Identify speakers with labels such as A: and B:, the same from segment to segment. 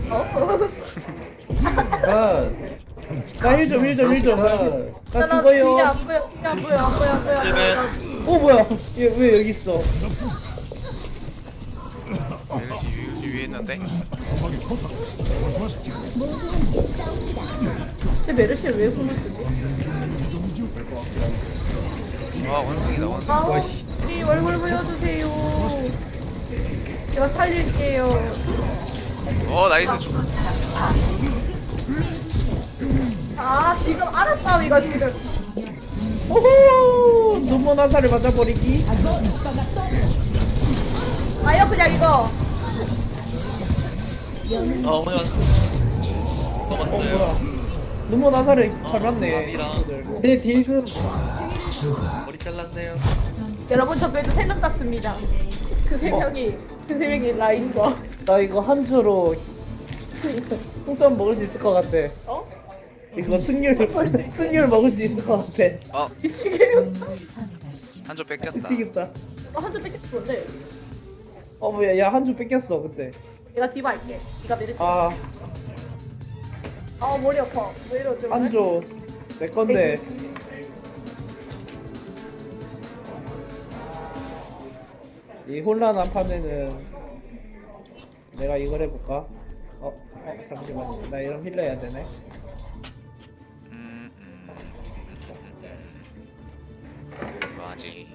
A: 어?
B: 나 힐 좀. 나
A: 뒤에
B: 죽어요.
A: 안 보여, 뒤에 안 보여, 안 보여, 안 보여, 안 보여.
B: 어 뭐야? 얘 왜 여기 있어?
C: 메르시 위에 있는데.
A: 쟤 메르시를 왜 공을 쓰지?
C: 와 원숭이다 원숭이.
A: 아, 우리 얼굴 보여주세요. 제가 살릴게요.
C: 나이스 죽.
A: 아, 지금 알았다, 이거 지금.
B: 오호! 눈먼 화살을 맞아버리기.
A: 아요, 그냥 이거.
D: 어머니
B: 어
D: 먹었어요.
B: 뭐야? 눈먼 화살을 잘 맞네.
D: 밥이랑.
B: 내 딜금.
D: 머리 잘랐네요.
A: 여러분, 저 그래도 3명 땄습니다. 그 3명이 라인과.
B: 나 이거 한 주로 풍선 먹을 수 있을 것 같아.
A: 어?
B: 이거 승률 먹을 수 있을 것 같아.
A: 미치게요.
C: 한조 뺏겼다.
B: 미치겠다.
A: 한줄 뺏겼는데.
B: 어 뭐야? 야 한 주 뺏겼어 그때.
A: 내가 디바 할게. 네가 메르시.
B: 아
A: 머리 아파. 왜 이러지?
B: 한 주 내 건데. 이 혼란한 판에는 내가 이걸 해볼까? 잠시만. 나 이런 힐러 해야 되네.
C: 뭐하지?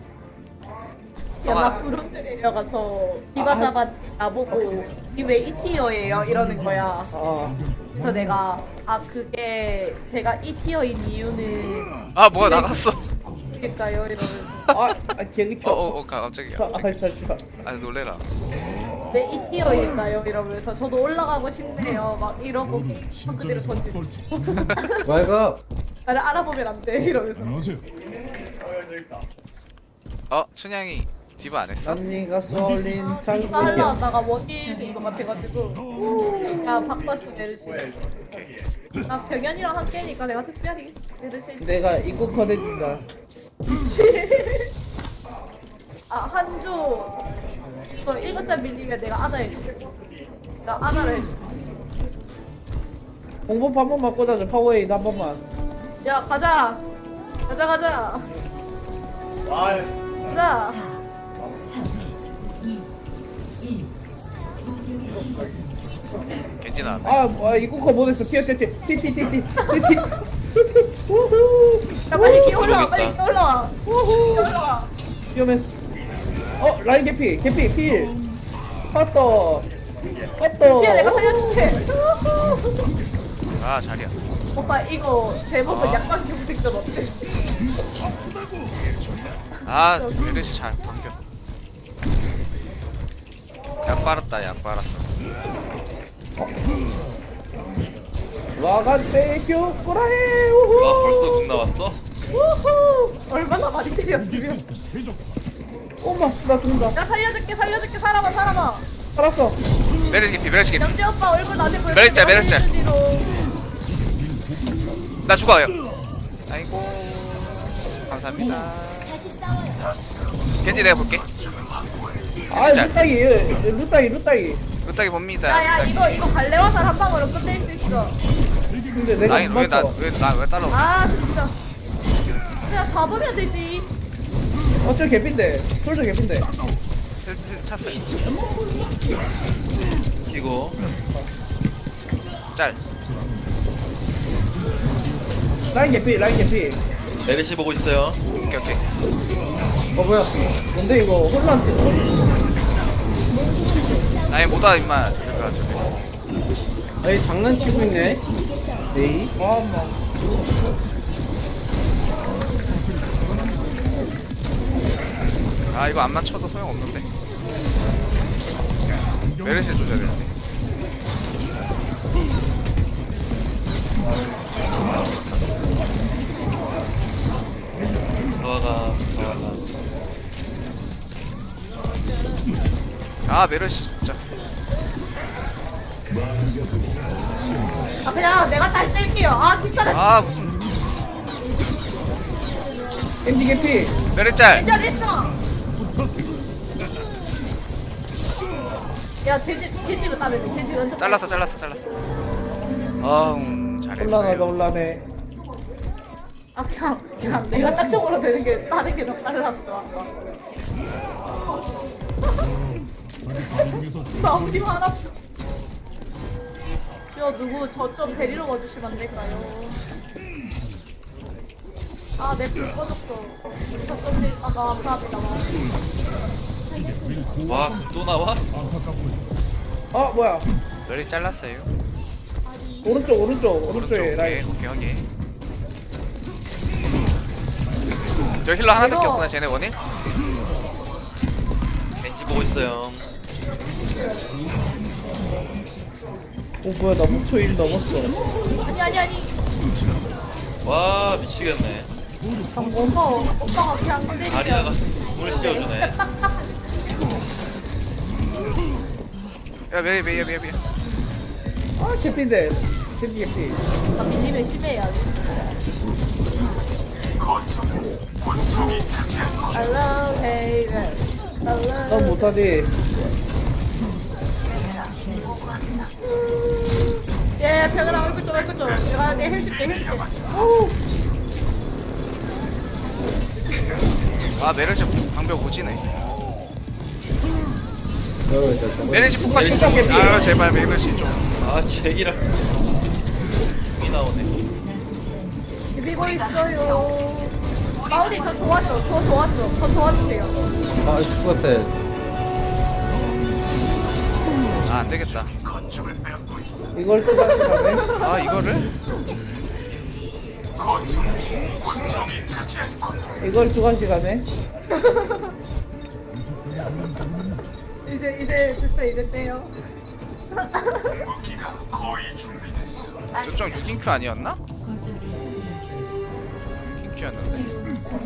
A: 제가 구름대 내려가서 디바 잡아 나보고 이왜 2티어예요? 이러는 거야. 그래서 내가 그게 제가 2티어인 이유는
C: 뭐야 나갔어.
A: 일까요? 이러면서
B: 개그 켜.
C: 갑자기야.
B: 잠시만.
C: 놀래라.
A: 왜 2티어일까요? 이러면서 저도 올라가고 싶네요. 막 이러고 그대로 던지고
B: 말가.
A: 나를 알아보면 안 돼. 이러면서
C: 춘향이 디바 안 했어?
B: 언니가 쏠린
A: 디바
B: 장비.
A: 하려 하다가 원딜인 것 같아가지고 야 바꿨어 메르시. 병현이랑 함께니까 내가 특별히 메르시.
B: 내가 입고 커내준다.
A: 한주 너 1거짜 밀리면 내가 아나 해줄게. 나 아나를 해줄게.
B: 공법 한 번만 꽂아줘. 파워에이드 한 번만.
A: 야 가자. 가자. 가자.
C: 겐지 나왔네.
B: 입고 커 못했어. 티티티티.
A: 야 빨리 끼 올라와. 빨리 끼 올라와.
B: 위험했어. 라인 개피 필. 핫도.
A: 야 내가 살려줄게.
C: 자리야.
A: 오빠 이거 제목은 약간 경직전 어때?
C: 메르시 잘 방벽. 약 빨았어.
B: 와간테 교코라해.
D: 벌써 궁 나왔어?
A: 우후. 얼마나 많이 때렸으면.
B: 엄마 나 죽는다.
A: 야 살려줄게 살아봐.
B: 살았어.
C: 메르시 개피.
A: 영재 오빠 얼굴 나한테 보여.
C: 메르시 짤. 나 죽어요. 아이고 감사합니다. 겐지 내가 볼게.
B: 루따기.
C: 루따기 봅니다.
A: 야야 이거 갈래화살 한 방으로 끝낼 수 있어.
B: 근데 내가
C: 라인
B: 못 맞춰.
C: 왜 따라오냐?
A: 진짜. 그냥 잡으면 되지.
B: 저 개핀데. 솔저 개핀데.
C: 힐 찼어요.
D: 이거
C: 짤.
B: 라인 개피.
D: 메르시 보고 있어요.
C: 오케이.
B: 뭐야? 뭔데 이거 혼란.
C: 라인 못와 임마. 그래가지고.
B: 아니 장난치고 있네. 네이.
C: 이거 안 맞춰도 소용없는데. 메르시를 조져야 되는데.
D: 저아가
C: 메르시 진짜.
A: 그냥 내가 딸 뗄게요. 진짜.
C: 무슨
B: 겐지 개피.
C: 메르시 짤.
A: 괜찮았어. 야 돼지면 따면 돼. 돼지 연습.
C: 잘랐어. 어우
B: 혼란하다
C: 잘했어요.
B: 혼란해.
A: 아 그냥 내가 딱정으로 되는 게 다른 게 더 빨랐어. 아까. 나 어디 화났어. 저 누구 저 좀 데리러 와주시면 안 될까요? 아 내 불 꺼졌어. 저좀 있다가 감사합니다.
D: 와, 또 나와?
B: 아 뭐야?
C: 멸이 잘랐어요.
B: 오른쪽에 라인.
C: 오케이. 저 힐러 하나밖에
A: 이거-
C: 없구나 쟤네 원일.
D: 벤치 보고 있어요.
B: 오 뭐야 나 목표 1 넘었어.
A: 아니.
D: 와, 미치겠네.
A: 오빠가 그냥
D: 아리아가
A: 때리면.
D: 물을 씌워주네.
C: 야 메이.
B: 아 개피인데. 개피.
A: 나 밀리면 심해야지. Hello, hey, hello.
B: 난 못하지.
A: 예, 병현아 얼굴 좀. 내가 내 힐줄게.
C: 아 메르시 방벽 오지네. 메르시 폭파시 좀. 아 제발 메르시 좀.
D: 아, 잭이랑 이 나오네.
A: 비비고 있어요. 마우리 저 도와줘. 저 도와주세요.
B: 아 죽었대.
C: 아 안되겠다.
B: 이걸 또 다시 가네.
C: 아 이거를?
B: 이걸 두 가지 가네.
A: 이제 됐어. 이제 빼요.
C: 저쪽 6인큐 아니었나? 6인큐였는데.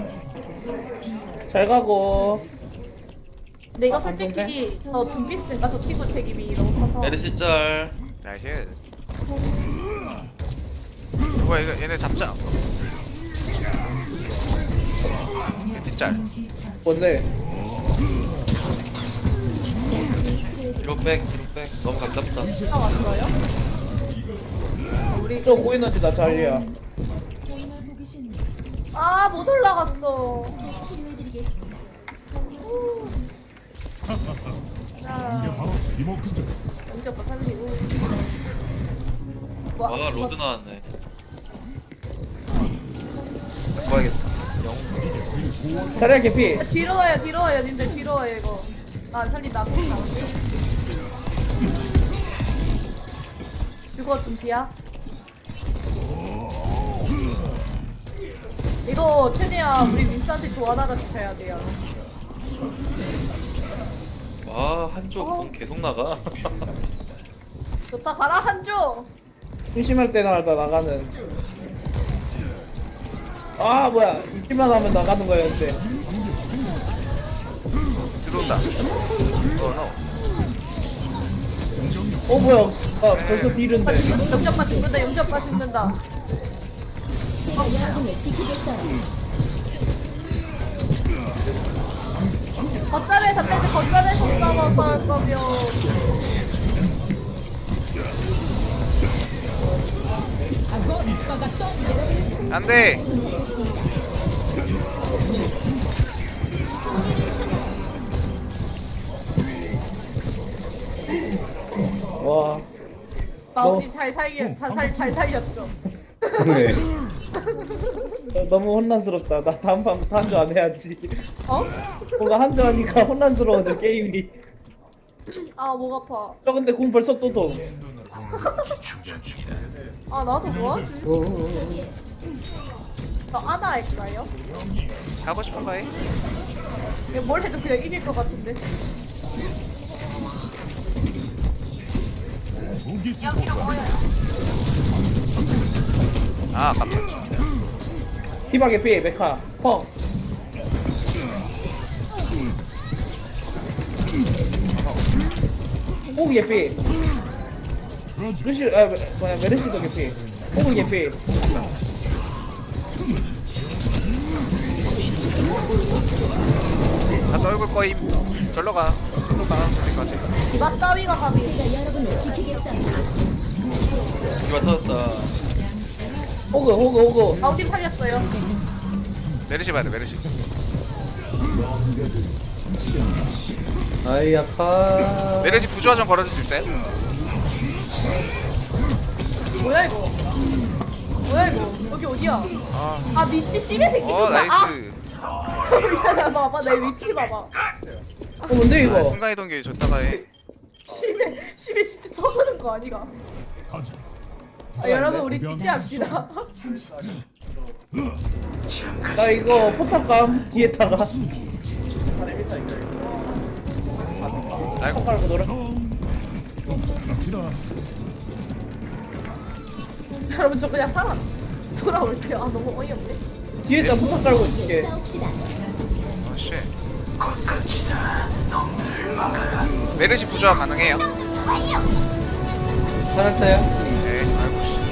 B: 잘 가고.
A: 근데 이거 솔직히 저 둠피스인가 저 친구 책임이 너무 커서.
D: 메르시 짤.
C: 야 힐. 뭐야 이거 얘네 잡자. 뒷짤.
B: 뭔데?
D: 뒤로 백. 너무 가깝다.
A: 아 왔어요? 우리
B: 저 보이는지 나 자리야.
A: 아 못 올라갔어. 자,
E: 바로 리모컨
A: 영지 오빠 살리고.
D: 와, 로드 나왔네.
B: 자리야 개피.
A: 뒤로 와요, 님들 뒤로 와요 이거. 나 안 살린다. 죽어 둠피야. 이거 최대한 우리 민스한테 도와달라 주셔야 돼요.
D: 와, 한쪽 공 계속 나가.
A: 좋다 가라 한조.
B: 심심할 때마다 나가는. 아 뭐야 이기만 하면 나가는 거였는데.
C: 들어온다. 노.
B: 뭐야 아 벌써 딜인데.
A: 영접파 죽는다. 거점에서 빼지 거점에서 싸워서 할 거면
C: 안돼.
B: 와.
A: 마우님 잘 살렸죠.
B: 네. 너무 혼란스럽다. 나 다음 판부터 한조 안 해야지.
A: 어?
B: 뭔가 한조 하니까 혼란스러워져 게임이.
A: 아 목 아파.
B: 저 근데 공 벌써 또 도.
A: 아 나도 뭐하지? 저 아나 할까요?
C: 하고 싶은 거 해.
A: 이거 뭘 해도 그냥 이길 것 같은데.
E: 무기 수소
C: 아 아깝다.
B: 피박에 피 메카 펑. 호그 개피. 루시 뭐야 메르시도 개피. 호그 개피.
C: 나 떨굴 거임. 절로 가. 어디까지?
A: 디바 따위가 감히.
D: 디바 터졌다.
B: 호그.
A: 아우팀 살렸어요.
C: 메르시 봐야 돼 메르시.
B: 아이 아파.
C: 메르시 부조화 좀 걸어줄 수 있어요?
A: 뭐야 이거? 여기 어디야? 아 밑에 심해 생기셨다.
C: 나이스.
A: 야 봐봐 내 위치 봐봐.
B: 뭔데 이거?
C: 순간이동기 줬다가 해.
A: 심해 진짜 쳐드는 거 아니가? 여러분 우리 기지합시다.
B: 나 이거 포탑감 뒤에다가
C: 아이고.
B: 포탑 깔고 놀아.
A: 여러분 저 그냥 살아 돌아올게요. 아 너무 어이없네.
B: 뒤에다 포탑 깔고 있을게.
C: 쉣. 메르시 부조화 가능해요?
B: 잘했어요.
C: 네. 아이고 씨.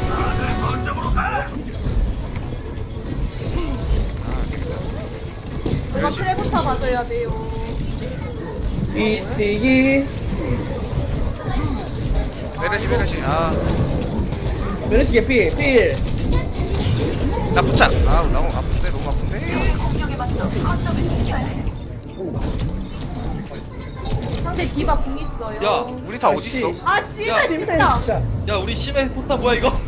A: 누가 트레부터 봐줘야 돼요.
B: 삐뛰기.
C: 메르시.
B: 메르시 개피 필.
C: 나 부착. 너무 아픈데 너무 아픈데.
A: 상대 디바 궁 있어요.
D: 야,
C: 우리 다 어디 있어?
A: 아
D: 야,
A: 씨발
B: 심해
A: 진짜.
B: 진짜.
D: 야 우리 심해 포탑 뭐야 이거?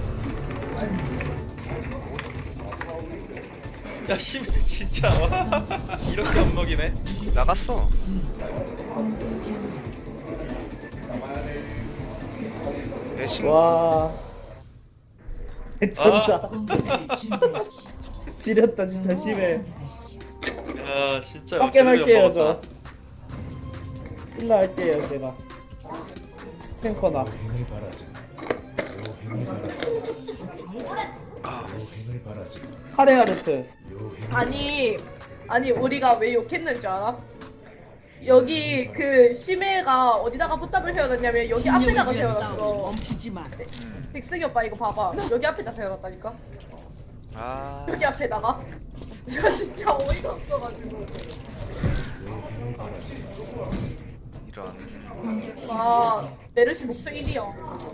D: 야 심해 진짜 이렇게 엉먹이네.
C: 나갔어. 애신.
B: 와. 미쳤다. 지렸다 진짜 심해.
D: 야 진짜
B: 빡게 말게요
D: 먹었다.
B: 저. 일로 할게요 제가. 탱커나. 카레아르트.
A: 아니 우리가 왜 욕했는 줄 알아? 여기 그 심해가 어디다가 포탑을 세워놨냐면 여기 앞에다가 세워놨어. 백승이 오빠 이거 봐봐. 여기 앞에다 세워놨다니까. 여기 앞에다가. 저 진짜 어이가 없어가지고.
C: 이런.
A: 와 메르시 목표 1위야.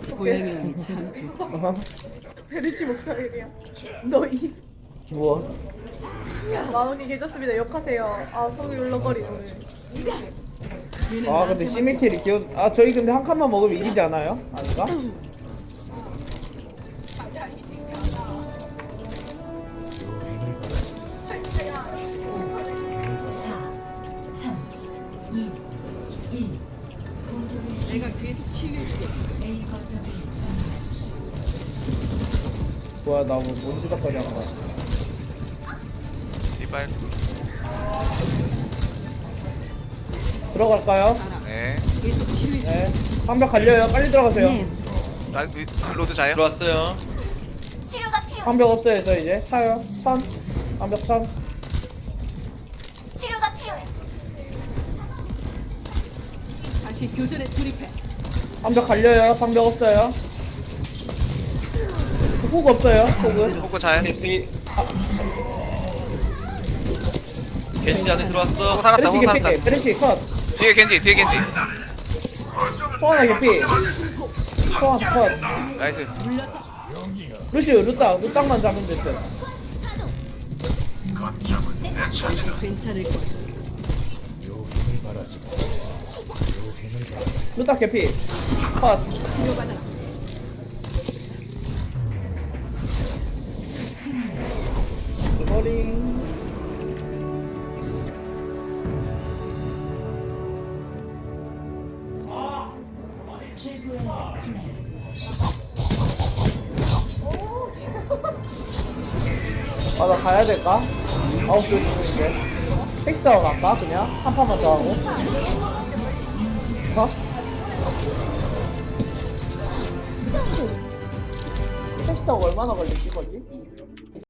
A: 메르시 목표 1위야. 너희
B: 뭐?
A: 마운이 계셨습니다. 욕하세요. 아 속이 울렁거리네.
B: 아 근데 시메킬이 귀여. 아 저희 근데 한 칸만 먹으면 이기지 않아요? 아닌가? 뭐야 나 뭐 뭔지덕거리 한 거야.
C: 이빨.
B: 들어갈까요?
C: 네.
B: 네. 방벽 갈려요. 빨리 들어가세요.
C: 로드 자요?
D: 들어왔어요.
B: 방벽 없어요 저 이제. 차요. 선. 방벽 선.
E: 다시 교전에 돌입해.
B: 방벽 갈려요. 방벽 없어요. 호구 없어요. 호구.
C: 호구 자요?
D: 겐지 겐지 안에 들어왔어.
C: 호구 살았다.
B: 베르시
C: 호구
B: 개피.
C: 살았다.
B: 베르시 컷.
C: 뒤에 겐지.
B: 소환아 개피. 소환 컷.
C: 나이스.
B: 루시우 루땅만 잡으면 됐어.
E: 괜찮을 거야.
B: 루땅 개피. 컷.
E: 치료받아라.
B: 버링. 아 나 가야 될까? 9시 5분인데 택시 타고 갈까? 그냥? 한 판만 더 하고 어? 택시 타고 얼마나 걸리지 거기?